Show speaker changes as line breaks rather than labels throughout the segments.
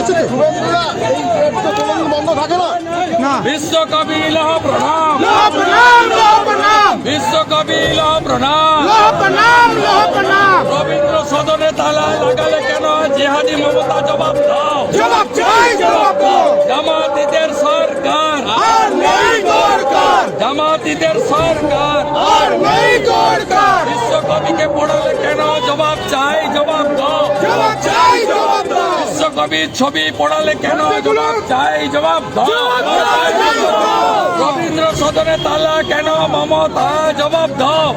হয়েছে বন্ধ থাকে না।
বিশ্বকবি লহ প্রণাম, বিশ্বকবি লহ প্রণাম। রবীন্দ্র সদনে তালা লাগালে কেন? জিহাদি মমতা জবাব দাও। জামাতিদের সরকার, জামাতিদের সরকার। বিশ্বকবিকে পড়ালে কেন? জবাব চাই, জবাব দাও। বিশ্বকবির ছবি পড়ালে কেন? জবাব চাই, জবাব দাও। রবীন্দ্র সদনে তালা কেন? মমতা জবাব দাও।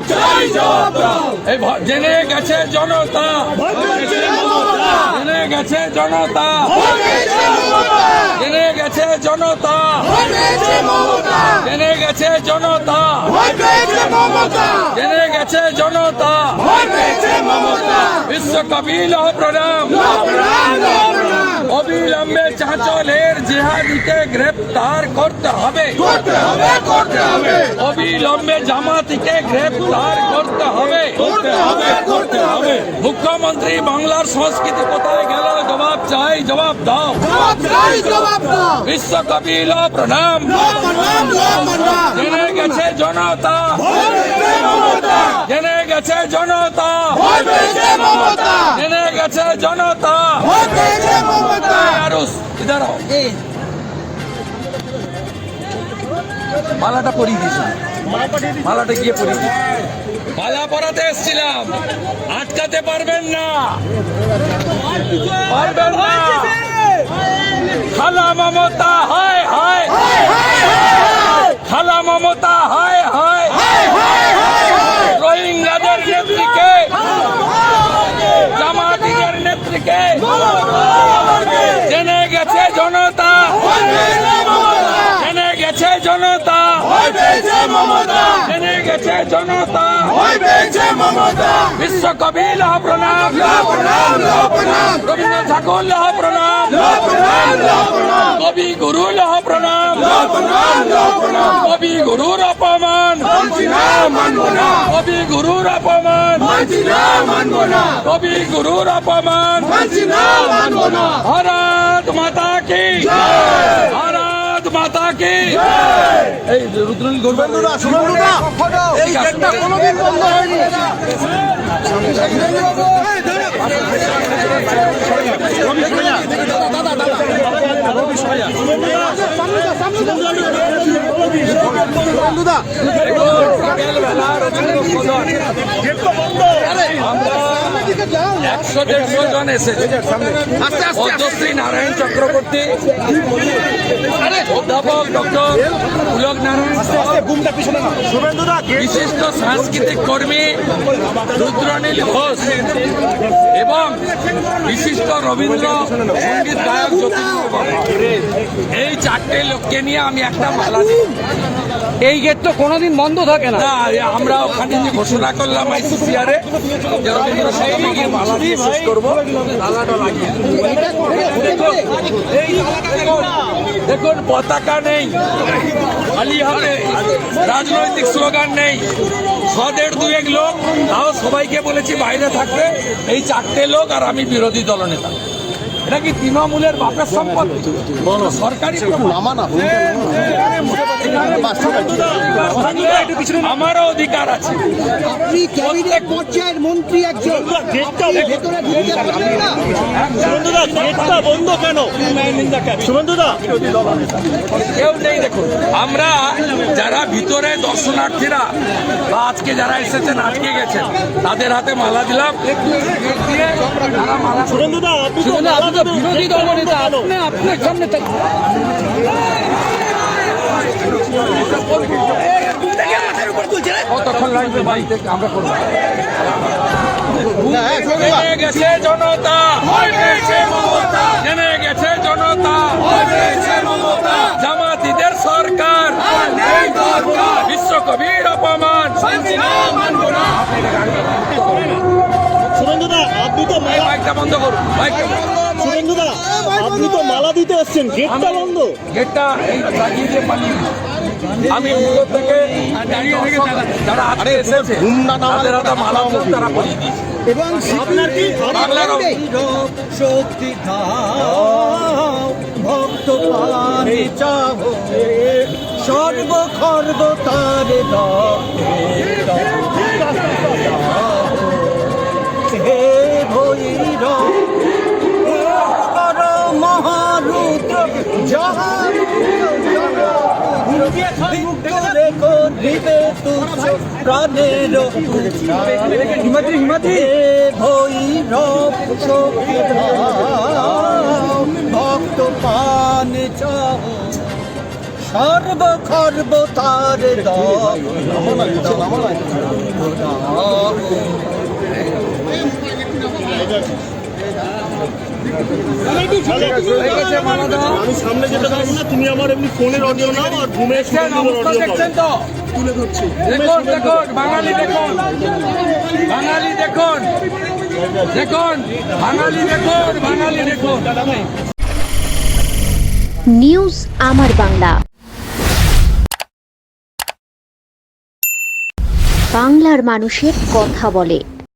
এই জেনে গেছে জনতা, জেনে গেছে জনতা, জেনে গেছে জনতা, জেনে গেছে জনতা, জেনে গেছে জনতা। বিশ্বকবি লহ প্রণাম। অবিলম্বে চাঁচলের জিহাদিকে গ্রেপ্তার করতে হবে, অবিলম্বে জামাতিকে গ্রেপ্তার করতে হবে। মুখ্যমন্ত্রী বাংলার সংস্কৃতি কোথায় গেল? জবাব চাই, জবাব দাও। বিশ্বকবি লহ প্রণাম। জেনে গেছে জনতা, জেনে গেছে জনতা, জেনে গেছে জনতা। ইধার মালাটা পরিয়ে দিয়েছি, মালাটা গিয়ে পরিয়ে দিয়েছি। মালা পরাতে এসেছিলাম, আটকাতে পারবেন না, পারবেন না। খালা মমতা হায় হায়, খালা মমতা হায় হায়। রোহিঙ্গাদের নেত্রীকে, জামাতিদের নেত্রীকে জেনে গেছে জনতা, জেনে গেছে জনতা, জেনে গেছে জনতা। বিশ্বকবি লহ প্রণাম, রবীন্দ্র ঠাকুর লহ প্রণাম, কবি গুরু লহ প্রণাম। কবি গুরুর অপমান, কবি গুরুর অপমান, কবি গুরুর অপমান। ভারত মাতা কি, ভারত মাতা কি। এই রুদ্রনীল
শুভেন্দুদা, শুভেন্দুদা, এই গেটটা কোনোদিন বন্ধ হয়নি। শুভেন্দুদা,
আমরা 100-150 জন এসেছে। পদ্মশ্রী নারায়ণ চক্রবর্তী, অধ্যাপক ডক্টর পুলক নারায়ণ, বিশিষ্ট সাংস্কৃতিক কর্মী রুদ্রনীল ঘোষ এবং বিশিষ্ট রবীন্দ্র সঙ্গীত গায়ক জ্যোতিষ। এই 4টে লোককে নিয়ে আমি একটা মালা দিই।
এই গেট তো কোনোদিন বন্ধ থাকে না।
আমরা ওখানে যে ঘোষণা করলাম আইসিসিআরে যে রবীন্দ্র সঙ্গীত মালা দিয়ে শেষ করবো, তালাটা লাগিয়ে। দেখুন পতাকা নেই, খালি হাতে, রাজনৈতিক স্লোগান নেই। 100-150 লোক, তাও সবাইকে বলেছি বাইরে থাকবে। এই 4টে লোক আর আমি বিরোধী দলনেতা। এটা কি তৃণমূলের বাপের সম্পত্তি? সরকারি আমারও অধিকার আছে।
আপনি ক্যাবিনেট পর্যায়ের মন্ত্রী একজন,
বন্ধ কেন? শুভেন্দুদা,
কেউ নেই। দেখুন আমরা যারা ভিতরে দর্শনার্থীরা বা আজকে যারা এসেছেন, আজকে গেছেন, তাদের হাতে মালা দিলাম।
শুভেন্দুদা, আপনি তো
বিরোধী দলনেতা, আপনার সামনে
কতক্ষণ লাগবে বাড়িতে আমরা করবো। জেনে গেছে জনতা, জেনে গেছে জনতা। জামাতিদের সরকার, বিশ্বকবির অপমান।
শুভেন্দুদা, আপনি তো
মাইকটা বন্ধ করুন, মাইকটা।
শুভেন্দুদা, আপনি তো মালা দিতে এসছেন, গেটটা বন্ধ।
গেটটা এই লাগিয়ে দিয়ে পালিয়ে আমি ভিতর থেকে যারা আগে এসেছে তাদের হাতে মালা তারা পরিয়ে দিয়েছে।
এবং
বাংলার
শক্তি করব তার হে ভৈরব কর মহারুদ্র যাহা করিবে তুচ্ছ প্রাণের হিমাদ্রি ভৈরব চোখে ভক্ত পান চাহ সর্ব খর্ব তার
আমি সামনে যেতে পারবো না, তুমি আমার এমনি ফোনের অডিও নাও আর ঘুমে
দেখছেন অবস্থা দেখছেন তো
তুলে ধরছি।
দেখুন দেখুন বাঙালি দেখুন বাঙালি দেখুন দেখুন বাঙালি দেখুন বাঙালি দেখুন
নিউজ আমার বাংলা, বাংলার মানুষের কথা বলে।